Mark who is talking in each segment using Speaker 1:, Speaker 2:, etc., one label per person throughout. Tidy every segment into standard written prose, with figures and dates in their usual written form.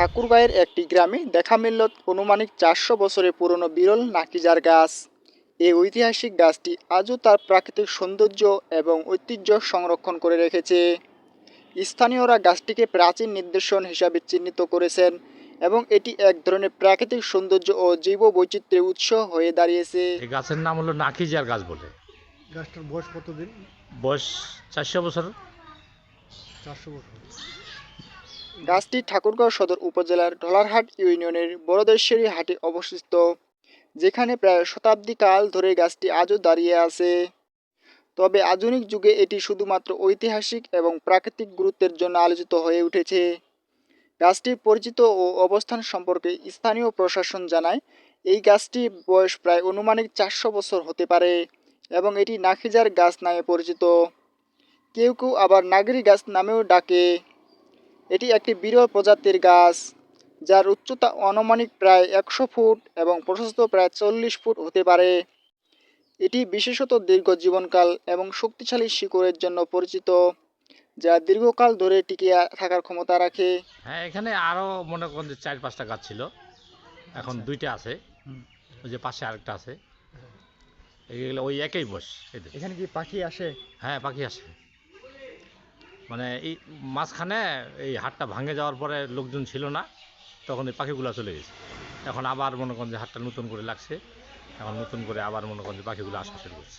Speaker 1: ঠাকুরগাঁয়ের একটি গ্রামে দেখা মিলল আনুমানিক 400 বছরের পুরনো বিরল নাকিজার গাছ। এই ঐতিহাসিক গাছটি আজও তার প্রাকৃতিক সৌন্দর্য এবং ঐতিহ্য সংরক্ষণ করে রেখেছে। স্থানীয়রা গাছটিকে প্রাচীন নিদর্শন হিসাবে চিহ্নিত করেছেন এবং এটি এক ধরনের প্রাকৃতিক সৌন্দর্য ও জৈব বৈচিত্র্যের উৎস হয়ে দাঁড়িয়েছে।
Speaker 2: এই গাছের নাম হলো নাকিজার গাছ বলে।
Speaker 3: গাছটার বয়স কতদিন?
Speaker 2: বয়স 400 বছর।
Speaker 3: 400 বছর।
Speaker 1: গাছটি ঠাকুরগাঁও সদর উপজেলার ঢলারহাট ইউনিয়নের বড়দেশ্বরী হাটে অবস্থিত, যেখানে প্রায় শতাব্দী কাল ধরে গাছটি আজও দাঁড়িয়ে আছে। তবে আধুনিক যুগে এটি শুধুমাত্র ঐতিহাসিক এবং প্রাকৃতিক গুরুত্বের জন্য আলোচিত হয়ে উঠেছে। গাছটির পরিচিত ও অবস্থান সম্পর্কে স্থানীয় প্রশাসন জানায়, এই গাছটির বয়স প্রায় আনুমানিক 400 বছর হতে পারে এবং এটি নাকিজার গাছ নামে পরিচিত। কেউ কেউ আবার নাগরি গাছ নামেও ডাকে। এটি একটি বিরল প্রজাতির গাছ, যার উচ্চতা আনুমানিক প্রায় 100 ফুট এবং প্রশস্ত প্রায় 40 ফুট হতে পারে। এটি বিশেষত দীর্ঘ জীবনকাল এবং শক্তিশালী শিকড়ের জন্য পরিচিত, যা দীর্ঘকাল ধরে টিকে থাকার ক্ষমতা রাখে।
Speaker 2: হ্যাঁ, এখানে আরও মনে করেন যে 4-5টা গাছ ছিল, এখন 2টা আছে। ওই যে পাশে আরেকটা আছে, এগুলো ওই একই বয়স এদের।
Speaker 3: এখানে কি পাখি আসে?
Speaker 2: হ্যাঁ, পাখি আসে। মানে এই মাঝখানে এই হাটটা ভাঙে যাওয়ার পরে লোকজন ছিল না, তখন এই পাখিগুলো চলে গেছে। এখন আবার মনে করেন যে হাটটা নতুন করে লাগছে, এখন নতুন করে আবার মনে করেন যে পাখিগুলো আসা শুরু করছে।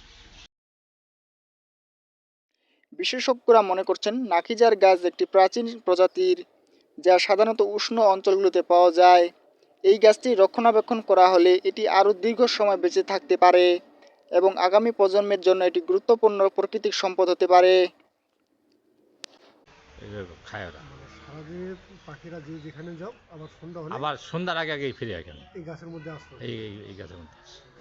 Speaker 1: বিশেষজ্ঞরা মনে করছেন নাকিজার গাছ একটি প্রাচীন প্রজাতির, যা সাধারণত উষ্ণ অঞ্চলগুলোতে পাওয়া যায়। এই গাছটি রক্ষণাবেক্ষণ করা হলে এটি আরও দীর্ঘ সময় বেঁচে থাকতে পারে এবং আগামী প্রজন্মের জন্য এটি গুরুত্বপূর্ণ প্রাকৃতিক সম্পদ হতে পারে।
Speaker 2: এগুলো খায় ওরা।
Speaker 3: সারাদিন পাখিরা যেখানে যাও, আবার সন্ধ্যা হলে
Speaker 2: আবার সন্ধ্যার আগে আগেই ফিরে এখানে
Speaker 3: এই গাছের মধ্যে আসতো।
Speaker 2: এই গাছের মধ্যে আসে।